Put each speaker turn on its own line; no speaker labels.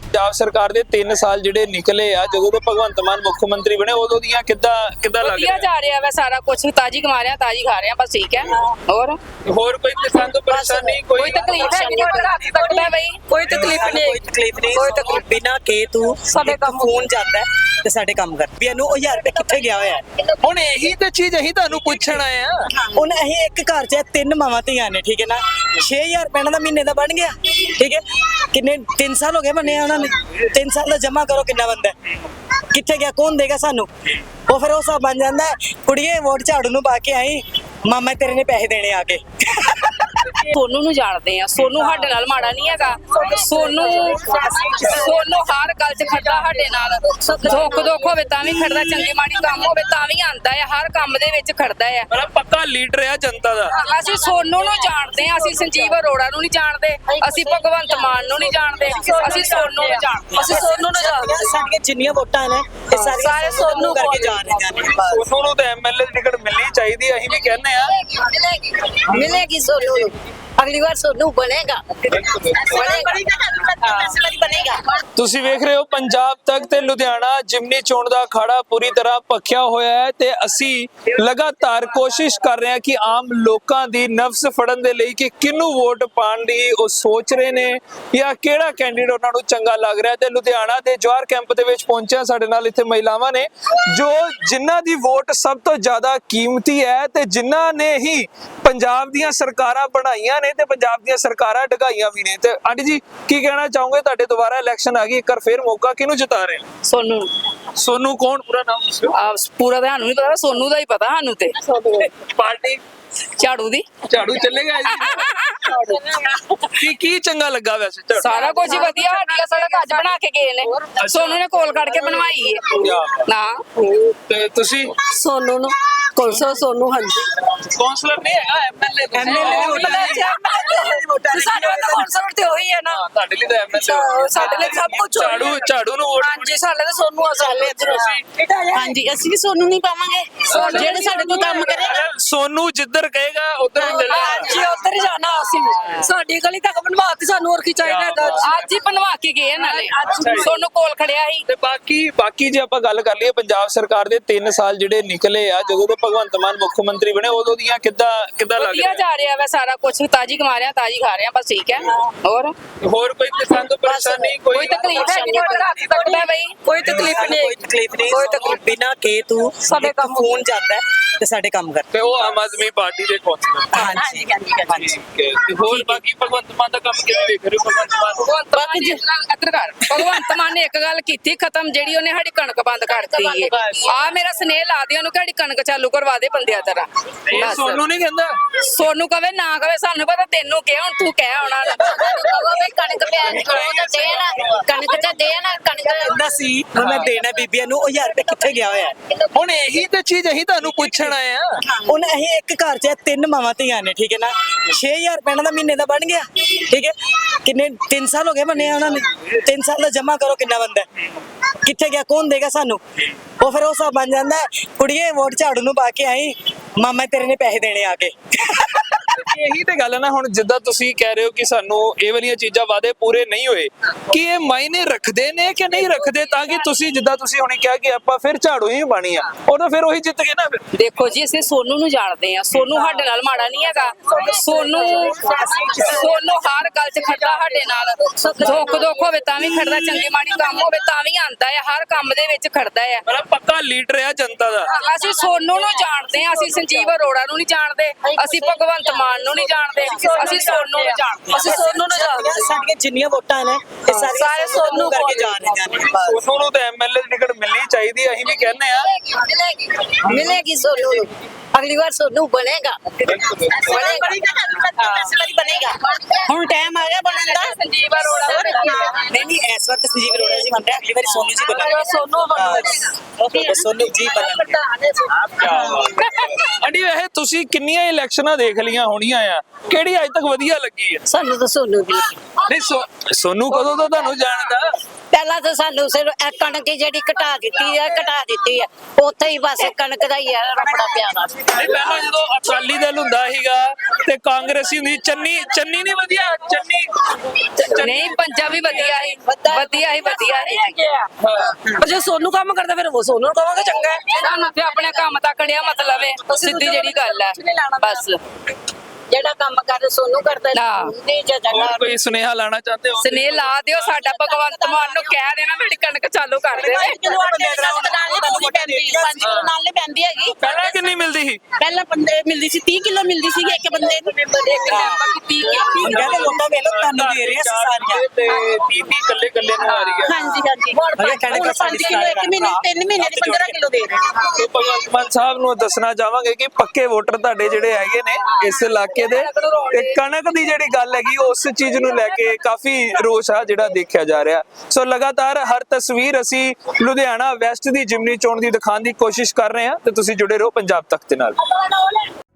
ਪੰਜਾਬ ਸਰਕਾਰ ਦੇ 3 ਸਾਲ ਜਿਹੜੇ ਨਿਕਲੇ ਆ ਜਦੋਂ ਤੋਂ ਭਗਵੰਤ ਮਾਨ ਮੁੱਖ ਮੰਤਰੀ ਬਣੇ ਉਦੋਂ ਦੀਆਂ ਕਿੱਦਾਂ ਲੱਗ
ਵਧੀਆ ਜਾ ਰਿਹਾ ਵਾ ਸਾਰਾ ਕੁਝ ਤਾਜੀ ਕਮਾ ਰਿਹਾ ਤਾਜੀ ਖਾ ਰਿਹਾ ਬਸ ਠੀਕ ਹੈ।
ਹੋਰ ਕੋਈ ਕਿਸਾਨ ਤੋਂ ਪਰੇਸ਼ਾਨੀ
ਕੋਈ ਤਕਲੀਫ ਹੈ ਨਹੀਂ ਸਕਦਾ ਬਈ ਕੋਈ ਤਕਲੀਫ ਨਹੀਂ
ਕੋਈ ਤਕਲੀਫ ਬਿਨਾ ਕੇ ਤੂੰ ਸਾਡੇ ਕੰਮ ਫੋਨ ਜਾਂਦਾ ਤੇ ਸਾਡੇ ਕੰਮ ਕਰ ਵੀ ਇਹਨੂੰ 1000 ਰੁਪਏ ਕਿੱਥੇ ਗਿਆ ਹੋਇਆ
ਹੁਣ ਇਹੀ ਤੇ ਚੀਜ਼ ਅਸੀਂ ਤੁਹਾਨੂੰ ਪੁੱਛਣ ਆਏ ਆ।
ਹੁਣ ਅਸੀਂ ਇੱਕ ਘਰ 'ਚ 3 ਮਾਵਾਂ ਧੀਆਂ ਨੇ ਠੀਕ ਹੈ ਨਾ 6000 ਰੁਪਏ ਦਾ ਮਹੀਨੇ ਦਾ ਬਣ ਗਿਆ ਠੀਕ ਹੈ। ਕਿੰਨੇ 3 ਸਾਲ ਹੋ ਗਏ ਬਣੇ ਉਹਨਾਂ ਨੇ 3 ਸਾਲ ਦਾ ਜਮਾ ਕਰੋ ਕਿੰਨਾ ਬੰਦਾ ਕਿੱਥੇ ਗਿਆ ਕੌਣ ਦੇਗਾ ਸਾਨੂੰ ਉਹ ਫਿਰ ਉਹ ਸਭ ਬਣ ਜਾਂਦਾ ਕੁੜੀਏ ਵੋਟ ਝਾੜੂ ਨੂੰ ਪਾ ਕੇ ਆਈ ਮਾਮਾ ਤੇਰੇ ਨੇ ਪੈਸੇ ਦੇਣੇ ਆ ਕੇ
ਸੋਨੂ ਨੂੰ ਜਾਣਦੇ ਆ ਸੋਨੂ ਸਾਡੇ ਨਾਲ ਮਾੜਾ ਨਹੀਂ ਹੈਗਾ ਸੋਨੂ ਹਰ ਗੱਲ 'ਚ ਖੜਦਾ ਸਾਡੇ ਨਾਲ ਦੁੱਖ ਹੋਵੇ ਤਾਂ ਵੀ ਖੜਦਾ ਚੰਗੀ ਮਾੜੀ ਕੰਮ ਹੋਵੇ ਤਾਂ ਵੀ ਆਂਦਾ ਹੈ ਹਰ ਕੰਮ ਦੇ ਵਿੱਚ ਖੜਦਾ ਹੈ
ਮਤਲਬ ਪੱਕਾ ਲੀਡਰ ਆ ਜਨਤਾ ਦਾ।
ਅਸੀਂ ਸੋਨੂ ਨੂੰ ਜਾਣਦੇ ਆ ਅਸੀਂ ਸੰਜੀਵ ਅਰੋੜਾ ਨੂੰ ਨਹੀਂ ਜਾਣਦੇ ਅਸੀਂ ਭਗਵੰਤ ਮਾਨ ਨੂੰ ਨਹੀਂ ਜਾਣਦੇ ਅਸੀਂ ਸੋਨੂ ਨੂੰ ਜਾਣਦੇ
ਸਾਡੀਆਂ ਜਿੰਨੀਆਂ ਵੋਟਾਂ ਨੇ ਇਹ ਸਾਰੇ ਸੋਨੂ ਕਰਕੇ ਜਾ ਰਹੀਆਂ ਨੇ
ਸੋਨੂ ਨੂੰ ਤਾਂ ਐਮਐਲਏ ਦੀ ਟਿਕਟ ਮਿਲਣੀ ਚਾਹੀਦੀ ਅਸੀਂ ਵੀ ਕਹਿੰਦੇ ਆ
मिलेगी सोनू अगली बार सोनू बनेगा
ਤੁਸੀਂ ਵੇਖ ਰਹੇ ਹੋ ਪੰਜਾਬ ਤੱਕ ਤੇ ਲੁਧਿਆਣਾ ਜਿਮਨੀ ਚੋਣ ਦਾ ਅਖਾੜਾ ਪੂਰੀ ਤਰ੍ਹਾਂ ਭਖਿਆ ਹੋਇਆ ਹੈ ਤੇ ਅਸੀਂ ਲਗਾਤਾਰ ਕੋਸ਼ਿਸ਼ ਕਰ ਰਹੇ ਹਾਂ ਕਿ ਆਮ ਲੋਕਾਂ ਦੀ ਨਫਸ ਫੜਨ ਦੇ ਲਈ ਕਿ ਕਿਹਨੂੰ ਵੋਟ ਪਾਣ ਦੀ ਉਹ ਸੋਚ ਰਹੇ ਨੇ ਜਾਂ ਕਿਹੜਾ ਕੈਂਡੀਡੇਟ ਉਹਨਾਂ ਨੂੰ ਚੰਗਾ ਲੱਗ ਰਿਹਾ ਤੇ ਲੁਧਿਆਣਾ ਦੇ ਜਵਾਹਰ ਕੈਂਪ ਦੇ ਵਿੱਚ ਪਹੁੰਚਿਆ ਸਾਡੇ ਨਾਲ ਇੱਥੇ ਮਹਿਲਾਵਾਂ ਨੇ ਜੋ ਜਿਨ੍ਹਾਂ ਦੀ ਵੋਟ ਸਭ ਤੋਂ ਜ਼ਿਆਦਾ ਕੀਮਤੀ ਹੈ ਤੇ ਜਿਨ੍ਹਾਂ ਨੇ ਹੀ ਪੰਜਾਬ ਦੀਆਂ ਸਰਕਾਰਾਂ ਬਣਾਈਆਂ ਨੇ ਤੇ ਪੰਜਾਬ ਦੀਆਂ ਸਰਕਾਰਾਂ ਢਗਾਈਆਂ ਵੀ ਨੇ ਤੇ ਆਂਟੀ ਜੀ ਕੀ ਕਹਿਣਾ ਚਾਹੋਗੇ ਤੁਹਾਡੇ ਦੁਬਾਰਾ ਇਲੈਕਸ਼ਨ ਆ ਗਈ ਇੱਕ ਵਾਰ ਫੇਰ ਮੌਕਾ ਕਿਹਨੂੰ ਜਿਤਾ ਰਹੇ
ਸੋਨੂ
ਸੋਨੂ ਕੌਣ ਪੂਰਾ ਨਾਮ ਦੱਸਿਓ
ਪੂਰਾ ਤਾਂ ਸਾਨੂੰ ਨਹੀਂ ਪਤਾ ਸੋਨੂ ਦਾ ਹੀ ਪਤਾ ਸਾਨੂੰ ਤੇ
ਪਾਰਟੀ
ਝਾੜੂ ਦੀ
ਝਾੜੂ ਚੱਲੇਗਾ ਕੀ ਚੰਗਾ ਲੱਗਾ ਵੈਸੇ ਝਾੜੂ
ਸਾਰਾ ਕੁਝ ਵਧੀਆ ਸਾਡੀ ਸੜਕ ਅੱਜ ਬਣਾ ਕੇ ਗਏ ਨੇ ਸੋਨੂ ਨੇ ਕੋਲ ਕੱਢ ਕੇ ਬਣਵਾਈ ਹੈ ਨਾ
ਤੇ ਤੁਸੀਂ
सोनू नु सोनू हाँ जी
ਕੌਂਸਲਰ ਨਹੀਂ ਹੈਗਾ ਐਮਐਲਏ
ਸਾਡੇ ਤਾਂ ਕੌਂਸਲਰ ਤੇ ਉਹੀ ਹੈ ਨਾ
ਤੁਹਾਡੇ ਲਈ ਤਾਂ ਐਮਐਲਏ
ਸਾਡੇ ਲਈ ਸਭ ਕੁਝ
ਝਾੜੂ ਨੂੰ ਵੋਟ
ਹਾਂਜੀ ਸਾਡੇ ਤਾਂ ਸੋਨੂ ਅਸਾਲੇ
हाँ जी असि भी सोनू नहीं पावांगे जेड़े साडे कोल काम करेगा
ਸੋਨੂ ਜਿੱਧਰ ਕਹੇਗਾ ਉਧਰ ਹੀ ਚੱਲੇਗਾ
ਹਾਂਜੀ ਉੱਧਰ ਹੀ ਜਾਣਾ ਅਸੀਂ ਸਾਡੀ ਗਲੀ ਤੱਕ ਬਣਵਾਤੀ ਸਾਨੂੰ ਹੋਰ ਕੀ ਚਾਹੀਦਾ ਅੱਜ ਹੀ ਬਣਵਾ ਕੇ ਗਏ ਨਾਲੇ ਸੋਨੂ ਕੋਲ ਖੜਿਆ ਸੀ
ਤੇ ਬਾਕੀ ਜੇ ਆਪਾਂ ਗੱਲ ਕਰ ਲਈਏ ਪੰਜਾਬ ਸਰਕਾਰ ਦੇ 3 ਸਾਲ ਜਿਹੜੇ ਨਿਕਲੇ ਆ ਜਦੋਂ ਤੋਂ ਭਗਵੰਤ ਮਾਨ ਮੁੱਖ ਮੰਤਰੀ ਬਣੇ ਉਦੋਂ ਦੀਆਂ ਕਿੱਦਾਂ ਲੱਗ
ਵਧੀਆ ਜਾ ਰਿਹਾ ਵਾ ਸਾਰਾ ਕੁਝ ਤਾਜੀ ਕਮਾ ਰਿਹਾ ਤਾਜੀ ਖਾ ਰਿਹਾ ਬਸ ਠੀਕ ਹੈ।
ਹੋਰ ਕੋਈ ਕਿਸਾਨ ਤੋਂ ਪਰੇਸ਼ਾਨੀ
ਕੋਈ ਤਕਲੀਫ ਹੈ ਨਹੀਂ ਸਕਦਾ ਬਈ ਕੋਈ ਤਕਲੀਫ ਨਹੀਂ
ਕੋਈ ਤਕਲੀਫ ਬਿਨਾ ਕੇ ਤੂੰ ਸਾਡੇ ਕੰਮ ਫੋਨ ਜਾਂਦਾ ਤੇ ਸਾਡੇ ਕੰਮ ਕਰ
ਤੇ ਉਹ ਆਮ ਆਦਮੀ ਪਾਰਟੀ ਦੇ ਕੌਂਸਲਰ
ਹਾਂਜੀ
ਤੇ ਹੋਰ ਬਾਕੀ ਭਗਵੰਤ ਮਾਨ ਦਾ ਕੰਮ ਕਿਵੇਂ ਵੇਖ ਰਹੇ ਹੋ
ਭਗਵੰਤ ਮਾਨ ਨੇ ਇੱਕ ਗੱਲ ਕੀਤੀ ਖਤਮ ਜਿਹੜੀ ਉਹਨੇ ਸਾਡੀ ਕਣਕ ਬੰਦ ਕਰਤੀ ਹੈ ਆ ਮੇਰਾ ਸਨੇਹ ਲਾ ਦਿਓ ਉਹਨੂੰ ਕਿ ਸਾਡੀ ਕਣਕ ਚਾਲੂ ਕਰਵਾ ਦੇ ਬੰਦਿਆਂ ਤਰ੍ਹਾਂ
ਇਹ ਸੋਨੂ ਨਹੀਂ ਕਹਿੰਦਾ
ਸੋਨੂ ਕਵੇ ਨਾ ਕਵੇ ਸਾਨੂੰ ਪਤਾ ਤੈਨੂੰ ਕਿਹਾ ਹੁਣ ਤੂੰ ਕਹਿ ਆਉਣਾ
कणक कणक तो देना कणक
ਸੀ ਮੈਂ ਦੇਣਾ ਬੀਬੀਆਂ ਨੂੰ 1000 ਰੁਪਏ ਕਿੱਥੇ ਗਿਆ ਹੋਇਆ
ਹੁਣ ਇਹੀ ਤੇ ਚੀਜ਼ ਅਸੀਂ ਤੁਹਾਨੂੰ ਪੁੱਛਣ ਆਏ ਆ।
ਹੁਣ ਅਸੀਂ ਇੱਕ ਘਰ 'ਚ 3 ਮਾਵਾਂ ਧੀਆਂ ਨੇ ਠੀਕ ਹੈ ਨਾ 6000 ਰੁਪਏ ਦਾ ਮਹੀਨੇ ਦਾ ਬਣ ਗਿਆ ਠੀਕ ਹੈ। ਕਿੰਨੇ 3 ਸਾਲ ਹੋ ਗਏ ਬਣੇ ਉਹਨਾਂ ਨੇ 3 ਸਾਲ ਦਾ ਜਮਾ ਕਰੋ ਕਿੰਨਾ ਬੰਦਾ ਕਿੱਥੇ ਗਿਆ ਕੌਣ ਦੇਗਾ ਸਾਨੂੰ ਉਹ ਫਿਰ ਉਹ ਸਭ ਬਣ ਜਾਂਦਾ ਕੁੜੀਏ ਵੋਟ ਝਾੜੂ ਨੂੰ ਪਾ ਕੇ ਆਈ ਮਾਮਾ ਤੇਰੇ ਨੇ ਪੈਸੇ ਦੇਣੇ ਆ ਕੇ
ਇਹੀ ਤੇ ਗੱਲ ਹੈ ਨਾ ਹੁਣ ਜਿੱਦਾਂ ਤੁਸੀਂ ਕਹਿ ਰਹੇ ਹੋ ਕਿ ਸਾਨੂੰ ਇਹ ਵਾਲੀਆਂ ਚੀਜ਼ਾਂ ਵਾਅਦੇ ਪੂਰੇ ਨਹੀਂ ਹੋਏ ਕਿ ਇਹ ਮਾਇਨੇ ਰੱਖਦੇ ਨੇ ਕਿ ਨਹੀਂ ਰੱਖਦੇ ਤਾਂ ਕਿ ਤੁਸੀਂ ਜਿੱਦਾਂ ਤੁਸੀਂ ਹੁਣੇ ਕਿਹਾ ਕਿ ਆਪਾਂ ਫਿਰ ਝਾੜੂ ਹੀ ਬਾਣੀ ਆ ਉਦੋਂ ਫਿਰ ਉਹੀ ਜਿੱਤ ਗਏ ਨਾ ਫਿਰ
ਦੇਖੋ ਜੀ ਅਸੀਂ ਸੋਨੂ ਨੂੰ ਜਾਣਦੇ ਆ ਸੋਨੂ ਸਾਡੇ ਨਾਲ ਮਾੜਾ ਨਹੀਂ ਹੈਗਾ ਸੋਨੂ ਹਰ ਗੱਲ 'ਚ ਖੜਦਾ ਸਾਡੇ ਨਾਲ ਦੁੱਖ ਹੋਵੇ ਤਾਂ ਵੀ ਖੜਦਾ ਚੰਗੀ ਮਾੜੀ ਕੰਮ ਹੋਵੇ ਤਾਂ ਵੀ ਆਂਦਾ ਹੈ ਹਰ ਕੰਮ ਦੇ ਵਿੱਚ ਖੜਦਾ ਹੈ
ਮਤਲਬ ਪੱਕਾ ਲੀਡਰ ਆ ਜਨਤਾ ਦਾ।
ਅਸੀਂ ਸੋਨੂ ਨੂੰ ਜਾਣਦੇ ਆ ਅਸੀਂ ਸੰਜੀਵ ਅਰੋੜਾ ਨੂੰ ਨਹੀਂ ਜਾਣਦੇ ਅਸੀਂ ਭਗਵੰਤ ਮਾਨ ਨੂੰ ਨਹੀਂ ਜਾਣਦੇ ਅਸੀਂ ਸੋਨੂ ਨੂੰ ਜਾਣਦੇ
ਸਾਡੀਆਂ ਜਿੰਨੀਆਂ ਵੋਟਾਂ ਨੇ ਇਹ ਸਾਰੇ ਸੋਨੂ ਕਰਕੇ ਜਾ ਰਹੀਆਂ ਨੇ
ਸੋਨੂ ਨੂੰ ਤਾਂ ਐਮਐਲਏ ਦੀ ਟਿਕਟ ਮਿਲਣੀ ਚਾਹੀਦੀ ਅਸੀਂ ਵੀ ਕਹਿੰਦੇ ਆ
मिलेगी सोनू अगली बार सोनू बनेगा बनेगा
ਹੁਣ ਟਾਈਮ ਆ ਗਿਆ ਬਣਨ ਦਾ
ਸੰਜੀਵ ਅਰੋੜਾ
ਨਹੀਂ ਇਸ ਵਕਤ ਸੰਜੀਵ ਅਰੋੜਾ ਜੀ ਬਣ ਰਿਹਾ ਅਗਲੀ ਵਾਰੀ ਸੋਨੂ ਜੀ ਬਣਨਗੇ ਸੋਨੂ ਜੀ ਬਣਨਗੇ
ਅੰਡੀ ਵੈਸੇ ਤੁਸੀਂ ਕਿੰਨੀਆਂ ਇਲੈਕਸ਼ਨਾਂ ਦੇਖ ਲੀਆਂ ਹੋਣੀਆਂ ਆ ਕਿਹੜੀ ਅੱਜ ਤੱਕ ਵਧੀਆ ਲੱਗੀ ਹੈ
सानू तो सोनू भी
ਨਹੀਂ ਸੋਨੂ ਕਦੋਂ ਤੋਂ ਤੁਹਾਨੂੰ ਜਾਣਦਾ
पहला तो सानू सिर्फ कणक जी घटा दी है उत्थे ही बस कणक का ही है रपड़ा प्यारा
ਨਹੀਂ ਪਹਿਲਾਂ ਜਦੋਂ ਅਕਾਲੀ ਦਲ ਹੁੰਦਾ ਸੀਗਾ ਤੇ ਕਾਂਗਰਸੀ ਹੁੰਦੀ ਚੰਨੀ ਨਹੀਂ ਵਧੀਆ ਚੰਨੀ
ਨਹੀਂ ਪੰਜਾ ਵੀ ਵਧੀਆ ਹੀ ਵਧੀਆ ਹੀ
ਪਰ ਜੇ ਸੋਨੂੰ ਕੰਮ ਕਰਦਾ ਫਿਰ ਉਹ ਸੋਨੂੰ ਨੂੰ ਕਹਾਂਗੇ ਚੰਗਾ ਹੈ।
ਸਾਨੂੰ ਤੇ ਆਪਣੇ ਕੰਮ ਤੱਕ ਨਿਆ ਮਤਲਬ ਹੈ ਸਿੱਧੀ ਜਿਹੜੀ ਗੱਲ ਹੈ ਬਸ
ਜਿਹੜਾ ਕੰਮ ਕਰ ਸੋਨੂੰ ਕਰਦਾ
ਹਾਂ।
ਨਹੀਂ ਜਗ੍ਹਾ
ਹੋਰ ਕੋਈ ਸੁਨੇਹਾ ਲਾਣਾ ਚਾਹਤੇ ਹੋ?
ਸਨੇਹ ਲਾ ਦਿਓ ਸਾਡਾ ਭਗਵੰਤ ਮਾਨ ਨੂੰ ਕਹਿ ਦੇਣਾ ਸਾਡੀ ਕਣਕ ਚਾਲੂ ਕਰ ਦੇਵੇ
ਜਦੋਂ ਆਪਾਂ ਨਾਲ ਨਹੀਂ ਪੈਂਦੀ 5 ਕਿਲੋ ਨਾਲ ਨਹੀਂ ਪੈਂਦੀ ਹੈਗੀ।
ਪਹਿਲਾਂ ਕਿੰਨੀ ਮਿਲਦੀ ਸੀ?
ਪਹਿਲਾਂ ਬੰਦੇ ਮਿਲਦੀ ਸੀ 30 ਕਿਲੋ ਮਿਲਦੀ ਸੀ ਇੱਕ ਬੰਦੇ ਨੂੰ
ਇੱਕ ਮੈਂਬਰ ਦੀ 30
ਹੁਣ ਕਹਿੰਦੇ ਲੋਕਾਂ ਵੇਲੇ ਤੁਹਾਨੂੰ ਦੇ ਰਹੇ ਸੀ ਸਾਰੀਆਂ
ਤੇ ਬੀਬੀ ਕੱਲੇ ਕੱਲੇ ਨੂੰ ਆ ਰਹੀ ਹੈ।
ਹਾਂਜੀ ਹਾਂਜੀ ਹੁਣ
ਅਗੇ ਕਹਿੰਦੇ
5 ਕਿਲੋ ਇੱਕ ਮਹੀਨੇ 3 ਮਹੀਨੇ ਦੀ 15 ਕਿਲੋ ਦੇ ਰਹੇ ਹਾਂ।
ਤੇ ਭਗਵੰਤ ਮਾਨ ਸਾਹਿਬ ਨੂੰ ਦੱਸਣਾ ਚਾਹਾਂਗੇ ਕਿ ਪੱਕੇ ਵੋਟਰ ਤੁਹਾਡੇ ਜਿਹੜੇ ਹੈਗੇ ਨੇ ਇਸ ਇਲਾਕੇ ਦੇ, ਤੇ ਕਣਕ ਦੀ ਜਿਹੜੀ ਗੱਲ ਹੈਗੀ ਉਸ ਚੀਜ਼ ਨੂੰ ਲੈ ਕੇ ਕਾਫੀ ਰੋਸ ਆ ਜਿਹੜਾ ਦੇਖਿਆ ਜਾ ਰਿਹਾ। ਸੋ ਲਗਾਤਾਰ ਹਰ ਤਸਵੀਰ ਅਸੀਂ ਲੁਧਿਆਣਾ ਵੈਸਟ ਦੀ ਜਿਮਨੀ ਚੋਣ ਦੀ ਦਿਖਾਉਣ ਦੀ ਕੋਸ਼ਿਸ਼ ਕਰ ਰਹੇ ਹਾਂ ਤੇ ਤੁਸੀਂ ਜੁੜੇ ਰਹੋ ਪੰਜਾਬ ਤੱਕ ਦੇ ਨਾਲ।